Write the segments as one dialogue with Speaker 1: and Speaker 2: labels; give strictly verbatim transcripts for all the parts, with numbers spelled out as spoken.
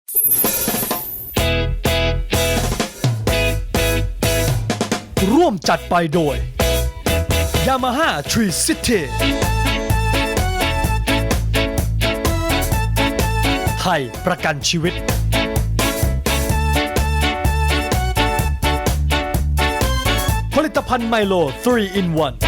Speaker 1: ร่วมจัดไปโดย Yamaha Tree City ไทยประกันชีวิตผลิตภัณฑ์ไมโล ทรี อิน วัน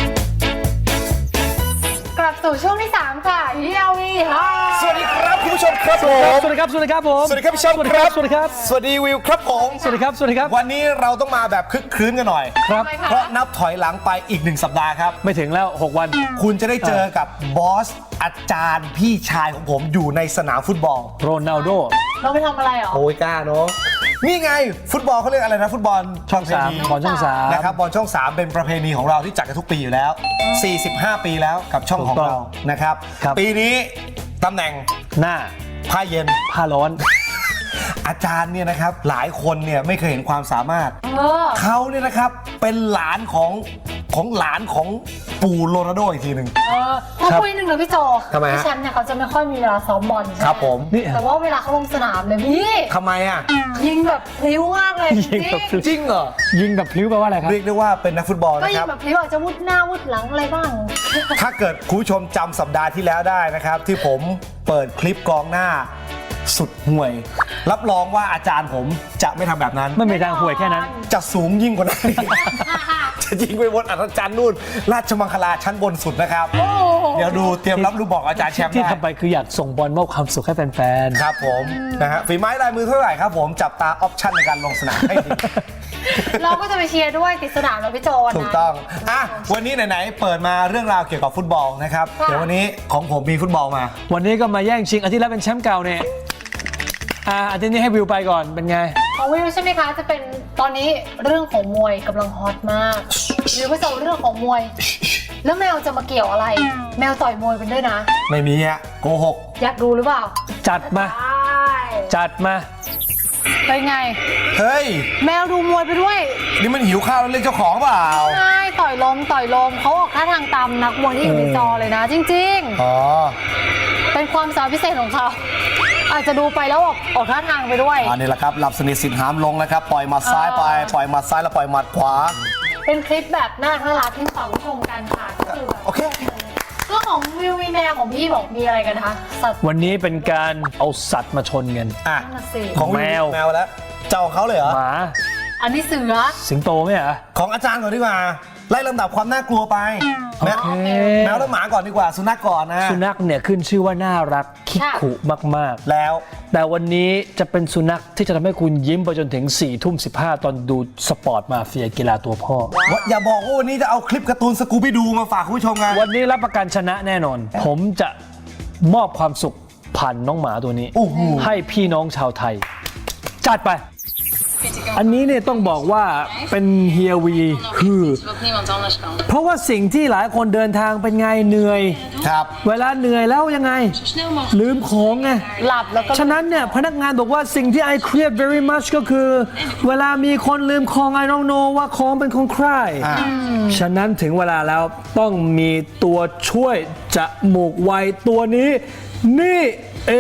Speaker 2: กลับสู่ช่วงที่สามค่ะเฮียวีค่ะ
Speaker 3: สวัสดีครับคุณผู้ชมครับผม
Speaker 1: สวัสดีครับ สวัสดีครับผม
Speaker 3: สวัสดีครับพี่ชม
Speaker 1: สวัสดี
Speaker 3: ค
Speaker 1: ค
Speaker 3: รั
Speaker 1: รับ บ สวัสดีครับ
Speaker 3: สวัสดีวิวครับผม
Speaker 1: สวัสดีครับ สวัสดีครับ
Speaker 3: วันนี้เราต้องมาแบบคึกคืนกันหน่อย
Speaker 1: ครับ
Speaker 2: ทำไมคะ
Speaker 3: เพราะนับถอยหลังไปอีกหนึ่งสัปดาห์ครับ
Speaker 1: ไม่ถึงแล้ว หก วัน
Speaker 3: คุณจะได้เจอกับบอสอาจารย์พี่ชายของผมอยู่ในสนามฟุตบอล
Speaker 1: โรนัลโด
Speaker 2: เราไปทำอะไรหรอ
Speaker 3: โอ้ยกล้าเนาะนี่ไงฟุตบอลเขาเรียกอะไรนะฟุตบอล
Speaker 1: ช่องสาม
Speaker 3: ประเพณี
Speaker 1: บอลช่องสาม
Speaker 3: นะครับบอลช่องสามเป็นประเพณีของเราที่จัดกันทุกปีอยู่แล้ว สี่สิบห้า ปีแล้วกับช่องของเรานะครับ
Speaker 1: ครับ
Speaker 3: ปีนี้ตำแหน่ง
Speaker 1: หน้า
Speaker 3: ผ้าเย็น
Speaker 1: ผ้าร้อน
Speaker 3: อาจารย์เนี่ยนะครับหลายคนเนี่ยไม่เคยเห็นความสามารถ
Speaker 2: เออ
Speaker 3: เขาเนี่ยนะครับเป็นหลานของของหลานของปู่โรนัลโดอีกทีหนึ่ง
Speaker 2: เออถ้าคุยหนึ่งเลยพี่โจ
Speaker 3: ทำไมฮะ
Speaker 2: พี่แชมป์เนี่ยเขาจะไม่ค่อยมีเวลาซ้อมบอลใช่ไหม
Speaker 3: ครับผม
Speaker 1: นี่
Speaker 2: แต่ว่าเวลาเขาลงสนามเลยพี่
Speaker 3: ทำไมอ่ะ
Speaker 2: ยิงแบบพลิ้วมากเลยจ
Speaker 1: ยิง
Speaker 2: ริ
Speaker 1: แบบ
Speaker 2: ง
Speaker 1: พลิ้ว
Speaker 3: จริงเหรอ
Speaker 1: ยิงแบบพลิ้วแปลว่าอะไรครับ
Speaker 3: เรียกได้ว่าเป็นนักฟุตบอล
Speaker 2: ก็
Speaker 3: นะ
Speaker 2: ยิ
Speaker 3: ค
Speaker 2: ง
Speaker 3: รับ
Speaker 2: แบบพลิ้วอาจจะวุดหน้าวุดหลังอะไรบ้าง
Speaker 3: ถ้าเกิดคุณผู้ชมจำสัปดาห์ที่แล้วได้นะครับ ที่ผมเปิดคลิปกองหน้าสุดห่วย รับรองว่าอาจารย์ผมจะไม่ทำแบบนั้น
Speaker 1: ไม่มีทางห่วยแค่นั้น
Speaker 3: จะสูงยิ่งกว่านั้น จะยิงไปบนอัศจรรย์นู่นราชมังคลาชั้นบนสุดนะครับ เดี๋ยวดูเตรียมรับลูกบอกอาจารย์แชมป์
Speaker 1: ที่
Speaker 3: ได้
Speaker 1: ทำไปคืออยากส่งบอลมอบความสุขให้แฟน
Speaker 3: ครับผมนะฮะฝีไม้ลายมือเท่าไหร่ครับผมจับตาออปชั่นในการลงสนามให้ดี
Speaker 2: เราก็จะไปเชียร์ด้วยติดสนามแล้วพี่โจนะ
Speaker 3: ถูกต้องอ่ะวันนี้ไหนๆเปิดมาเรื่องราวเกี่ยวกับฟุตบอลนะครับ
Speaker 2: ค่ะ
Speaker 3: เดี๋ยววันนี้ของผมมีฟุตบอลมา
Speaker 1: ๆ วันนี้ก็มาแย่งชิงอาทิตย์แล้วเป็นแชมป์เก่าเนี่ยอ่าอาทิตย์นี้ให้วิวไปก่อนเป็นไง
Speaker 2: ของวิวใช่ไหมคะจะเป็นตอนนี้เรื่องของมวยกำลังฮอตมากวิวก็จะเอาเรื่องของมวย แล้วแมวจะมาเกี่ยวอะไร แมวต่อยมวยกันด้วยนะ
Speaker 3: ไม่มีอ่ะโกหก
Speaker 2: อยากดูหรือเปล่า
Speaker 1: จัดมา
Speaker 2: ใช่
Speaker 1: จัดมา
Speaker 2: เป็นไง
Speaker 3: เฮ้ย
Speaker 2: แมวดูมวยไปด้วย
Speaker 3: นี่มันหิวข้าวแล้วเรียกเจ้าของเปล่า
Speaker 2: ใช่ต่อยลมต่อยลมเขาออกท่าทางตามนักมวยที่อยู่ในจอเลยนะ จริง
Speaker 3: อ๋อ
Speaker 2: ๆ เป็นความสามารถพิเศษของเขาอาจจะดูไปแล้วออกออกท่าทางไปด้วย
Speaker 3: อันนี้แหละครับหลับสนิทสิทธิ์หามลงนะครับปล่อยหมัดซ้ายไปปล่อยหมัดซ้ายแล้วปล่อยหมัดขวา
Speaker 2: เป็นคลิปแบบน่ารักน่ารักที่ฝากผู้ชมกันค่ะก็คือแบบ
Speaker 3: โอเค
Speaker 2: เรื่องของวิวมีแมวของพี่บอกมีอะไรกันนะคะสัตว์
Speaker 1: วันนี้เป็นการเอาสัตว์มาชนกัน
Speaker 3: อ่ะ
Speaker 2: นั่นน่ะสิ
Speaker 3: ของ
Speaker 1: แมว
Speaker 3: แมวแล้วเจ้าของเขาเลยเหรอ
Speaker 1: หมา
Speaker 2: อันนี้เสือ
Speaker 1: สิงโตไหมอ่ะ
Speaker 3: ของอาจารย์ก่อนดีกว่าไล่ลำดับความน่ากลัวไปแมว
Speaker 1: โอเค
Speaker 3: แมวแล้วหมาก่อนดีกว่าสุนัขก่อนนะ
Speaker 1: สุนัขเนี่ยขึ้นชื่อว่าน่ารักคิกขุมาก
Speaker 3: แล้ว
Speaker 1: ๆ แต่วันนี้จะเป็นสุนัขที่จะทำให้คุณยิ้มไปจนถึงสี่ทุ่มสิบห้าตอนดูสปอร์ตมาเฟียกีฬาตัวพ่อ
Speaker 3: อย่าบอกว่าวันนี้จะเอาคลิปการ์ตูนสกูบี้ดูมาฝากคุณผู้ชมไง
Speaker 1: วันนี้รับประกันชนะแน่นอน ผมจะมอบความสุขผ่านน้องหมาตัวนี้
Speaker 3: โอ้โห
Speaker 1: ให้พี่น้องชาวไทย จัดไป อันนี้เนี่ยต้องบอกว่าเป็นเฮียวีคือ เพราะว่าสิ่งที่หลายคนเดินทางเป็นไงเหนื่อย
Speaker 3: ครับ
Speaker 1: เวลาเหนื่อยแล้วยังไง ลืมของไง
Speaker 2: หลับแล้วก็
Speaker 1: ฉะนั้นเนี่ยพนักงานบอกว่าสิ่งที่ I create very much ก็คือ เวลามีคนลืมของ I don't know ว่าของเป็นของใคร
Speaker 3: อ่า
Speaker 1: ฉะนั้นถึงเวลาแล้วต้องมีตัวช่วยจมูกไวตัวนี้ นี่เอง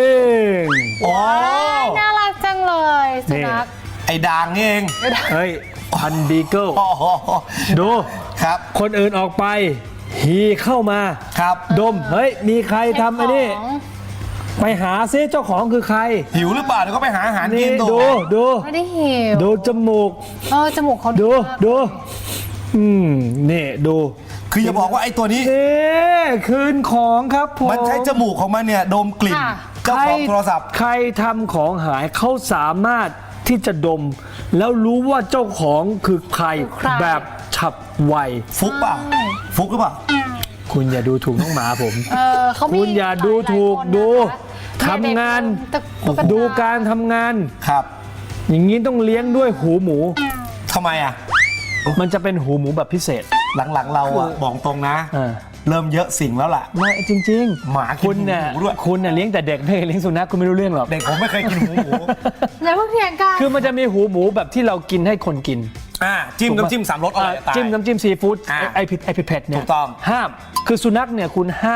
Speaker 3: โอ้
Speaker 2: น่ารักจังเลยสุนัข
Speaker 3: ไอ้ด่างนี่เอง
Speaker 1: เฮ้ยพันบีเกิล
Speaker 3: โอ้โห
Speaker 1: ดู
Speaker 3: ครับ
Speaker 1: คนอื่นออกไป ฮีเข้ามา
Speaker 3: ครับ
Speaker 1: ดม เฮ้ย มีใครทำไอ้นี่ ไปหาซิเจ้าของคือใคร
Speaker 3: หิวหรือเปล่าเดี๋ยวก็ไปหาอาหารกิ
Speaker 1: นี่
Speaker 3: น
Speaker 1: ดูดู
Speaker 2: ไม่ได้หิว
Speaker 1: ดูจมูก
Speaker 2: เออจมูกเขา
Speaker 1: ดู
Speaker 2: มาก
Speaker 1: ดู อืม นี่ ดู
Speaker 3: คืออย่าบอกว่าไอ้ตัวนี้
Speaker 1: เอ๊คืนของครับผม
Speaker 3: มันใช้จมูกของมันเนี่ยดมกลิ่น เจ้าของโทรศัพท์
Speaker 1: ใครทำของหายเขาสามารถที่จะดม แล้วรู้ว่าเจ้าของคือใครแบบฉับไว
Speaker 3: ฟุกเปล่า ฟุกหรือเปล่า
Speaker 1: คุณอย่าดูถูกน้องหมาผม
Speaker 2: เออเขามี
Speaker 1: คุณอย่าดูถูก
Speaker 2: หลายคน
Speaker 1: ดู
Speaker 2: นะคะ
Speaker 1: ทำงาน
Speaker 2: ตุ๊กตา
Speaker 1: ดูการทำงาน
Speaker 3: ครับ
Speaker 1: อย่างนี้ต้องเลี้ยงด้วยหูหมู
Speaker 3: ทำไมอ่ะ
Speaker 1: มันจะเป็นหูหมูแบบพิเศษ
Speaker 3: หลังๆเราอ่ะบอกตรงนะ
Speaker 1: เออ
Speaker 3: เริ่มเยอะสิ่งแล้วล่ะ
Speaker 1: ไม่จริงๆ
Speaker 3: หมากิน
Speaker 1: คุณเนี่ย
Speaker 3: หูด้วย
Speaker 1: คุณเนี่ยเลี้ยงแต่เด็กไม่เคยเลี้ยงสุนัขคุณไม่รู้เรื่องหรอก
Speaker 3: เด็กผมไม่เคยกินหูหมู
Speaker 2: อย่าเพิ่งเถียงกัน
Speaker 1: คือมันจะมีหูหมูแบบที่เรากินให้คนกิน
Speaker 3: อ่าจิ้มน้ำจิ้มสามรสอร่อยจะตาย
Speaker 1: จิ้มน้ำจิ้มซีฟู้ด
Speaker 3: อ่า
Speaker 1: ไอพิไอพิเผ็ดเนี่ย
Speaker 3: ถูกต้อง
Speaker 1: ห้ามคือสุนัขเนี่ยคุณห้าม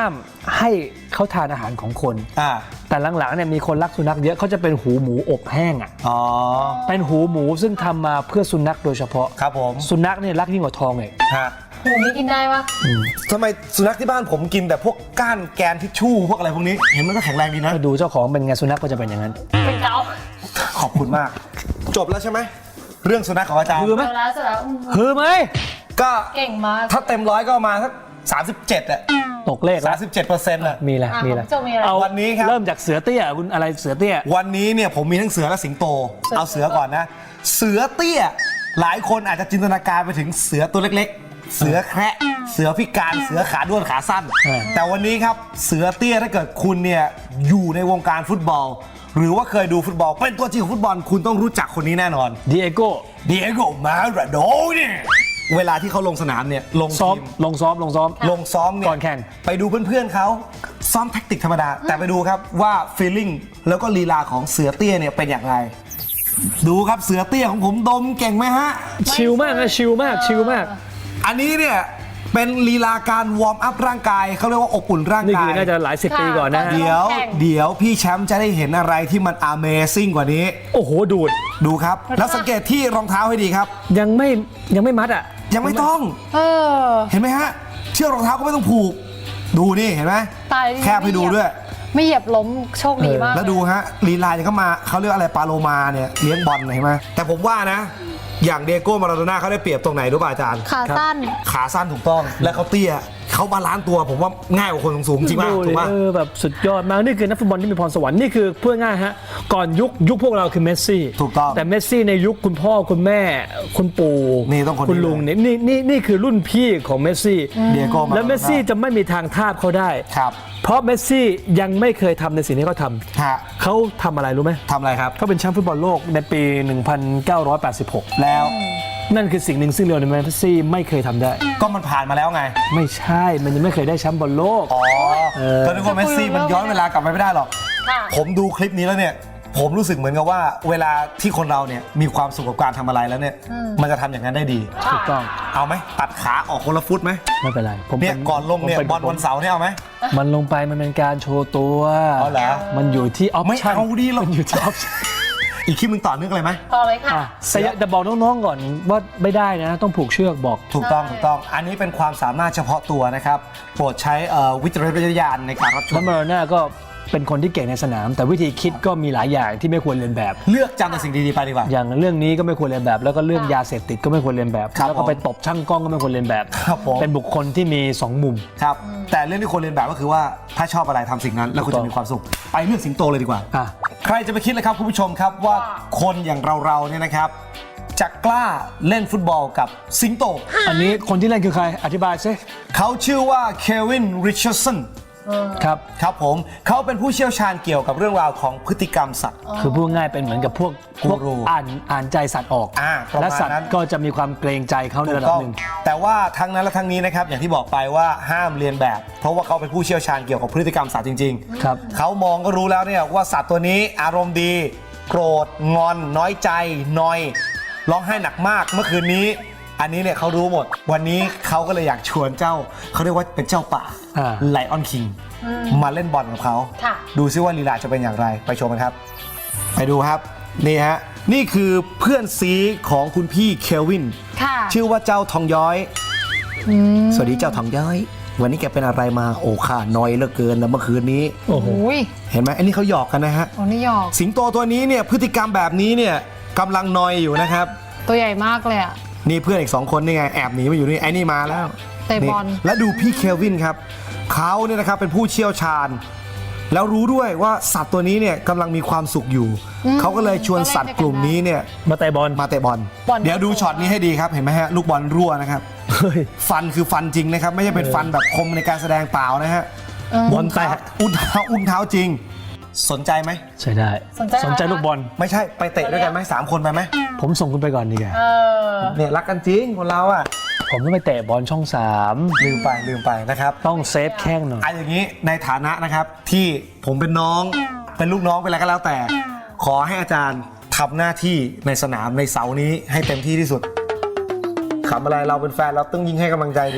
Speaker 1: ให้เขาทานอาหารของคน
Speaker 3: อ่า
Speaker 1: แต่หลังๆเนี่ยมีคนรักสุนัขเยอะเขาจะเป็นหูหมูอบแห้งอ่ะ
Speaker 3: อ๋อ
Speaker 1: เป็นหูหมูซึ่งทำมาเพื่อสุนัขโดยเฉพาะ
Speaker 3: ครับผม
Speaker 1: สุนัขเนี่ยรักยิ่งกว่าทองเลย
Speaker 3: ฮะ
Speaker 2: หูนี้กินได้ปะ
Speaker 3: ทำไมสุนัขที่บ้านผมกินแต่พวกก้านแกนทิชชู่พวกอะไรพวกนี้เห็นมันก็แข็งแรงดีนะ
Speaker 1: ก็ดูเจ้าของเป็นไงสุนัขก็จะเป็นอย่างนั้น
Speaker 2: เป็นเกา
Speaker 3: ขอบคุณมาก จบแล้วใช่ไหมเรื่องสุนัขของอาจารย์
Speaker 1: คือไหม
Speaker 2: เจอแล้วเสร็จแล้วอืม
Speaker 1: คือไหม
Speaker 3: ก็
Speaker 2: เก่งมาก
Speaker 3: ถ้าเต็มร้อยก็ประมาณสักสามสิบเจ็ดอะ
Speaker 1: ตกเลข
Speaker 3: สา
Speaker 1: แล้
Speaker 3: ม
Speaker 1: ว
Speaker 3: สิบเจ็ดเปอร์เซ็นต์อะ
Speaker 1: มีแหละ
Speaker 2: อ่ะ
Speaker 1: มีแหละ
Speaker 2: ของพี่โจมีอะไร
Speaker 1: เอา
Speaker 3: วันนี้ครับ
Speaker 1: เริ่มจากเสือเตี้ยคุณอะไรเสือเตี้ย
Speaker 3: วันนี้เนี่ยผมมีทั้งเสือและสิงโต เอาเสือก่อนนะ เสือเตี้ย หลายคนอาจจะจินตนาการไปถึงเสือตัวเล็กๆ เสือแคระเสือพิการเสือขาด้วนขาสั้น
Speaker 1: อ่า
Speaker 3: แต่วันนี้ครับเสือเตี้ยถ้าเกิดคุณเนี่ยอยู่ในวงการฟุตบอล หรือว่าเคยดูฟุตบอลเป็นตัวจริงของฟุตบอลคุณต้องรู้จักคนนี้แน่นอน
Speaker 1: ดีเอโก้
Speaker 3: เดียโกมาราโดเนี่ยเวลาที่เขาลงสนามเนี่ยลง
Speaker 1: ซ้อม
Speaker 3: ทีม
Speaker 1: ลงซ้อมลงซ้อม
Speaker 3: ลงซ้อมเนี่ย
Speaker 1: ก่อนแข่ง
Speaker 3: ไปดูเพื่อนๆเขาซ้อมแท็กติกธรรมดา แต่ไปดูครับว่าฟีลลิ่งแล้วก็ลีลาของเสือเตี้ยเนี่ยเป็นอย่างไร ดูครับเสือเตี้ยของผมดมเก่งไหมฮะ
Speaker 1: ชิลมากนะชิลมากชิลมาก
Speaker 3: อันนี้เนี่ยเป็นลีลาการวอร์มอัพร่างกายเขาเรียกว่าอบอุ่นร่าง
Speaker 1: นี่
Speaker 3: กา
Speaker 1: คื
Speaker 3: ย
Speaker 1: อน่าจะหลายสิบปีก่อนนะฮะ
Speaker 3: เดี๋ยว
Speaker 2: แข่ง
Speaker 3: เดี๋ยวพี่แชมป์จะได้เห็นอะไรที่มัน Amazing กว่านี้
Speaker 1: โอ้โหดูด
Speaker 3: ดูครับ แล้วสังเกตที่รองเท้าให้ดีครับ
Speaker 1: ยังไม่ยังไม่มัดอ่ะ
Speaker 3: ยังไม่ต้อง
Speaker 2: เออ
Speaker 3: เห็นไหมฮะเชือกรองเท้าก็ไม่ต้องผูก ดูนี่เห็นไหม
Speaker 2: ตาย
Speaker 3: แคบให้ดูด้วย
Speaker 2: ไม่เหยียบล้มโชคดีมาก
Speaker 3: แล้วดูฮะลีลาเนี่ยเขามาเขาเรียกอะไรปาโลมาเนี่ยเลี้ยงบอลเห็นไหมแต่ผมว่านะ อย่างเดโก้มาราโดน่าเขาได้เปรียบตรงไหนรู้ป่ะอาจารย์
Speaker 2: ขาสั้น
Speaker 3: ขาสั้นถูกต้อง และเขาเตี้ยเขาบาลานซ์ตัวผมว่าง่ายกว่าคนสูงๆจริงป่ะ
Speaker 1: ดู
Speaker 3: ถู
Speaker 1: ดิ
Speaker 3: กป่ะ
Speaker 1: เออแบบสุดยอดมากนี่คือนักฟุตบอลที่มีพรสวรรค์นี่คือเพื่อง่ายฮะก่อนยุคยุคพวกเราคือเมสซี่
Speaker 3: ถูกต้อง
Speaker 1: แต่เมสซี่ในยุคคุณพ่อคุณแม่ คุณปู่
Speaker 3: นี่ต้องคนนี้
Speaker 1: คุณลุงเนี่ยนี่นี่นี่คือรุ่นพี่ของเมสซี่
Speaker 3: เดียโก้มาราโดน่า
Speaker 1: แล้วเมสซี่จะไม่มีทางทาบเขาได้
Speaker 3: ครับ
Speaker 1: เพราะเมสซี่ยังไม่เคยทำในสิ่งที่เขาทำ
Speaker 3: ฮะ
Speaker 1: เขาทำอะไรรู้ไหม
Speaker 3: ทำอะไรครับ
Speaker 1: เขาเป็นแชมป์ฟุตบอลโลกในปี หนึ่งพันเก้าร้อยแปดสิบหก
Speaker 3: แล้ว
Speaker 1: นั่นคือสิ่งหนึ่งซึ่งเลโอเนลเมสซี่ไม่เคยทำได้
Speaker 3: ก็มันผ่านมาแล้วไง
Speaker 1: ไม่ใช่ มันยังไม่เคยได้แชมป์บอลโลก
Speaker 3: อ๋อ
Speaker 1: เออ
Speaker 3: ก็นึกว่าเมสซี่มันย้อนเวลากลับไปไม่ได้หรอก
Speaker 2: ค่ะ
Speaker 3: ผมดูคลิปนี้แล้วเนี่ย ผมรู้สึกเหมือนกับว่า เวลาที่คนเราเนี่ยมีความสุขกับการทำอะไรแล้วเนี่ย มันจะทำอย่างนั้นได้ดี
Speaker 1: ถูกต้อง
Speaker 3: เอาไหมตัดขาออกคนละฟุตไหม
Speaker 1: ไม่เป็นไรผม
Speaker 3: เนี่ย
Speaker 1: ป็
Speaker 3: ก่อนลงเนี่ย
Speaker 1: ผมป็
Speaker 3: บอลวันเสาร์เนี่ยเอาไหม
Speaker 1: มันลงไปมันเป็นการโชว์ตัว
Speaker 3: เอาเหรอ
Speaker 1: มันอยู่ที่ออป
Speaker 3: ไม่
Speaker 1: ชั่น
Speaker 3: เอาดิหรอก
Speaker 1: มันอยู่ที่ออปชั่น
Speaker 3: อีกคลิปมึงต่อเนื่องเลยไหม
Speaker 2: ต่อเลยค่ะ
Speaker 1: อ่ะแต่อย่าแต่บอกน้องๆก่อนว่าไม่ได้นะ ต้องผูกเชือกบอก
Speaker 3: ถูกต้องถูกต้อง อันนี้เป็นความสามารถเฉพาะตัวนะครับ โปรดใช้เอ่อวิจารณญาณในการรับช
Speaker 1: แล้ว
Speaker 3: ม
Speaker 1: มาโรน่าก็เป็นคนที่เก่งในสนาม แต่วิธีคิดก็มีหลายอย่างที่ไม่ควรเรียนแบบ
Speaker 3: เลือกจำแต่สิ่งดีๆไปดีกว่า
Speaker 1: อย่างเรื่องนี้ก็ไม่ควรเรียนแบบ แล้วก็เรื่องยาเสพติดก็ไม่ควรเรียนแบบ
Speaker 3: ครับ
Speaker 1: แล้วก็ไปตบช่างกล้องก็ไม่ควรเรียนแบบ
Speaker 3: ครับผม
Speaker 1: เป็นบุคคลที่มีสองมุม
Speaker 3: ครับ แต่เรื่องที่ควรเรียนแบบก็คือว่าถ้าชอบอะไรทำสิ่งนั้น แล้วคุณ
Speaker 1: ถูกต้
Speaker 3: จะ
Speaker 1: อง
Speaker 3: มีความสุข ไปเรื่องสิงโตเลยดีกว่า
Speaker 1: อ่ะ
Speaker 3: ใครจะไปคิดเลยครับคุณผู้ชมครับว่าคนอย่างเราๆเนี่ยนะครับ จะกล้าเล่นฟุตบอลกับสิงโต
Speaker 1: อันนี้คนที่เล่นคือใครอธิบายซิ
Speaker 3: เขาชื่อว่าเควินริชาร์ดสัน
Speaker 1: ครับ
Speaker 3: ครับผมเขาเป็นผู้เชี่ยวชาญเกี่ยวกับเรื่องราวของพฤติกรรมสัตว์
Speaker 1: คือพูดง่ายเป็นเหมือนกับพวกพวก
Speaker 3: กูรู
Speaker 1: อ่านอ่านใจสัตว์ออก
Speaker 3: อ่าประมาณ
Speaker 1: และสัตว์
Speaker 3: นั้น
Speaker 1: ก็จะมีความเกรงใจเขาใน
Speaker 3: ถู
Speaker 1: ระ
Speaker 3: ก
Speaker 1: ดับ
Speaker 3: ต้อง
Speaker 1: หนึ่ง
Speaker 3: แต่ว่าทั้งนั้นและทั้งนี้นะครับอย่างที่บอกไปว่าห้ามเรียนแบบ เพราะว่าเขาเป็นผู้เชี่ยวชาญเกี่ยวกับพฤติกรรมสัตว์จริง
Speaker 1: ครับ
Speaker 3: ๆ เขามองก็รู้แล้วเนี่ยว่าสัตว์ตัวนี้อารมณ์ดี โกรธงอน น้อยใจนอยร้องไห้หนักมากเมื่อคืนนี้ อันนี้เนี่ยเขารู้หมด วันนี้เขาก็เลยอยากชวนเจ้าเขาเรียกว่าเป็นเจ้าป่า
Speaker 1: อ่า
Speaker 3: ไลออนคิงมาเล่นบอลกับเขา
Speaker 2: ค่ะ
Speaker 3: ดูซิว่าลีลาจะเป็นอย่างไรไปชมกันครับ ไปดูครับนี่ฮะนี่คือเพื่อนซีของคุณพี่เควิน
Speaker 2: ค่ะ
Speaker 3: ชื่อว่าเจ้าทองย้อย สวัสดีเจ้าทองย้อย วันนี้แกเป็นอะไรมาโอ้ข้านอยเหลือเกินนะเมื่อคืนนี้
Speaker 1: โอ้โห
Speaker 2: โอ้ย
Speaker 3: เห็นไหมอันนี้เขาหยอกกันนะฮะ
Speaker 2: โอ้นี่หยอก
Speaker 3: สิงโตตัวนี้เนี่ยพฤติกรรมแบบนี้เนี่ยกำลังนอยอยู่นะครับ
Speaker 2: ตัวใหญ่มากเลยอ่ะ
Speaker 3: นี่เพื่อนอีกสองคนนี่ไงแอบหนีมาอยู่นี่ไอ้นี่มาแล้ว
Speaker 2: เตะบอล
Speaker 3: นี่และดูพี่เควินครับเขาเนี่ยนะครับเป็นผู้เชี่ยวชาญ แล้วรู้ด้วยว่าสัตว์ตัวนี้เนี่ยกำลังมีความสุขอยู่ เขาก็เลยชวนสัตว์กลุ่มนี้เนี่ย
Speaker 1: มาเตะบอล
Speaker 3: มาเตะบอล
Speaker 2: บอล
Speaker 3: เดี๋ยวดูช็อตนี้ให้ดีครับเห็นไหมฮะลูกบอลรั่วนะครับ
Speaker 1: เฮ้ย
Speaker 3: ฟันคือฟันจริงนะครับ ไม่ใช่เป็นฟันแบบคมในการแสดงเปล่านะฮะ
Speaker 1: บอลแตก
Speaker 3: อุ้นเท้าอุ้นเท้าจริง สนใจไหม
Speaker 1: ใช่ได้
Speaker 2: สนใจ
Speaker 1: สนใจ
Speaker 2: อะไรนะ
Speaker 1: ลูกบอล
Speaker 3: ไม่ใช่ไปเตะด้วยกันไหมสามคนไปไหม
Speaker 1: ผมส่งคุณไปก่อนดีกว่า
Speaker 2: เออ
Speaker 3: เนี่ยรักกันจริงคนเราอ่ะ
Speaker 1: ผมต้องไปเตะบอลช่องสาม
Speaker 3: ลืมไปลืมไปนะครับ
Speaker 1: ต้องเซฟแข้งหน่อย
Speaker 3: อันอย่างนี้ในฐานะนะครับที่ผมเป็นน้องเป็นลูกน้องเป็นอะไรก็แล้วแต่ ขอให้อาจารย์ทำหน้าที่ในสนามในเสาร์นี้ให้เต็มที่ที่สุดขำอะไรเราเป็นแฟนเราต้องยิ่งให้กำลังใจดิ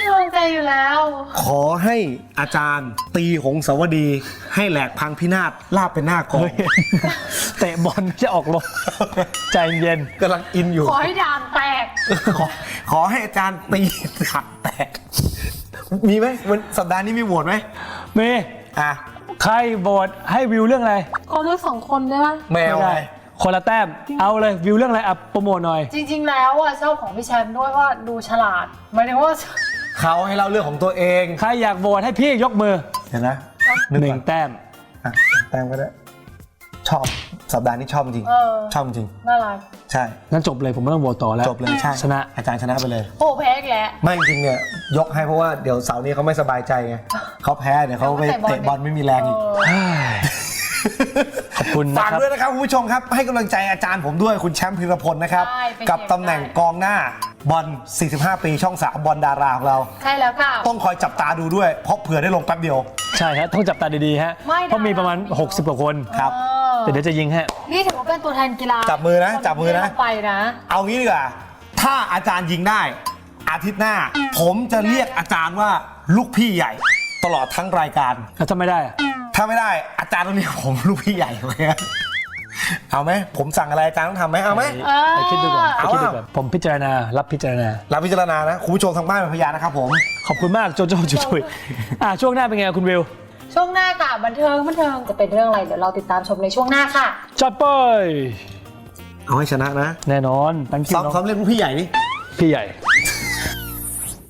Speaker 2: กำลังใจอยู่แล้ว
Speaker 3: ขอให้อาจารย์ตีหงสาวดี ให้แหลกพังพินาศลาบเป็นหน้ากอง
Speaker 1: เฮ้ยเตะบอลจะออกลมใจเย็น
Speaker 3: กำลังอินอยู่
Speaker 2: ขอให้ดามแตก
Speaker 3: ขอขอให้อาจารย์ตีถักแตก มีไหมวันสัปดาห์นี้มีโหวตไหม
Speaker 1: เมย์
Speaker 3: อ่ะ
Speaker 1: ใครโหวตให้วิวเรื่องอะไร
Speaker 2: ขอทั้งสองคนได้ไหม
Speaker 3: แมว
Speaker 1: ไม่
Speaker 3: ไง
Speaker 1: ได้คนละแต้มเอาเลยวิวเรื่องอะไรอ่ะโปรโมทหน่อย
Speaker 2: จริงๆแล้วอ่ะชอบของพี่แชมป์ด้วยว่าดูฉลาดหมายถึงว่า
Speaker 3: เขาให้เล่าเรื่องของตัวเอง
Speaker 1: ใครอยากโหวตให้พี่ยกมือ
Speaker 3: เห็นนะ
Speaker 1: หนึ่งแต้ม
Speaker 3: อ่ะแต้มก็ได้ ชอบสัปดาห์นี้ชอบจริง
Speaker 2: เออ
Speaker 3: ชอบจริง
Speaker 2: น่ารัก
Speaker 3: ใช่
Speaker 1: งั้นจบเลยผมไม่ต้องโหวตต่อแล้ว
Speaker 3: จบเลยใช่
Speaker 1: ชนะ
Speaker 3: อาจารย์ชนะไปเลย
Speaker 2: โอ้แพ้อีกแล้ว
Speaker 3: ไม่จริงๆเนี่ยยกให้เพราะว่าเดี๋ยวเสาร์นี้เขาไม่สบายใจไงเขาแพ้เดี๋ยวเขาไปเตะบอลไม่มีแรงอีก
Speaker 2: เออ
Speaker 1: ขอบคุณนะ
Speaker 3: ฝาก
Speaker 1: ครับ
Speaker 3: ด้วยนะครับคุณผู้ชมครับให้กำลังใจอาจารย์ผมด้วยคุณแชมป์พิรพลนะครับ
Speaker 2: ใช่เป็น
Speaker 3: กับตำแหน่งกองหน้าบอล สี่สิบห้า ปีช่องสามบอลดาราของเรา
Speaker 2: ใช่แล้วค่ะ
Speaker 3: ต้องคอยจับตาดูด้วย เพราะเผื่อได้ลงแป๊บเดียว
Speaker 1: ใช่ฮะต้องจับตาดีๆฮะ
Speaker 2: ไม่ได้
Speaker 1: เพราะมีประมาณ หกสิบ กว่าคน
Speaker 3: ครับ
Speaker 2: เออ
Speaker 1: แต่เดี๋ยวจะยิงฮะ
Speaker 2: นี่ถือว่าเป็นตัวแทนกีฬา
Speaker 3: จับมือนะจับมือนะ
Speaker 2: ที่เราไปนะ
Speaker 3: เอางี้ดีกว่าถ้าอาจารย์ยิงได้ อาทิตย์หน้า ผมจะเรียกอาจารย์ว่าลูกพี่ใหญ่ ตลอดทั้งรายการ
Speaker 1: แล้วถ้าไม่ได้อะ
Speaker 3: ถ้าไม่ได้อาจารย์ต้องเรียกผมลูกพี่ใหญ่ไหมเอาไหมผมสั่งอะไรอาจารย์ต้องทำไหมเอาไหม
Speaker 2: เออ
Speaker 1: ไปคิดดูก่อนไป
Speaker 3: เอา
Speaker 1: คิดดู
Speaker 3: อะ
Speaker 1: ก่อนผมพิจารณารับพิจารณา
Speaker 3: รับพิจารณานะคุณผู้ชมทางบ้านเป็นพยานนะครับผม
Speaker 1: ขอบคุณมากโจโจ้จุจุยอ่ะช่วงหน้าเป็นไงคุณวิว
Speaker 2: ช่วงหน้าค่ะบันเทิงบันเทิงจะเป็นเรื่องอะไรเดี๋ยวเราติดตามชมในช่วงหน้าค่ะ
Speaker 1: จัดไป
Speaker 3: เอาให้ชนะนะ
Speaker 1: แน่นอนตั้งคิว
Speaker 3: ซ้อม
Speaker 1: น้อง
Speaker 3: ซ้อมเรียกลูกพี่ใหญ่นี่
Speaker 1: พี่ใหญ่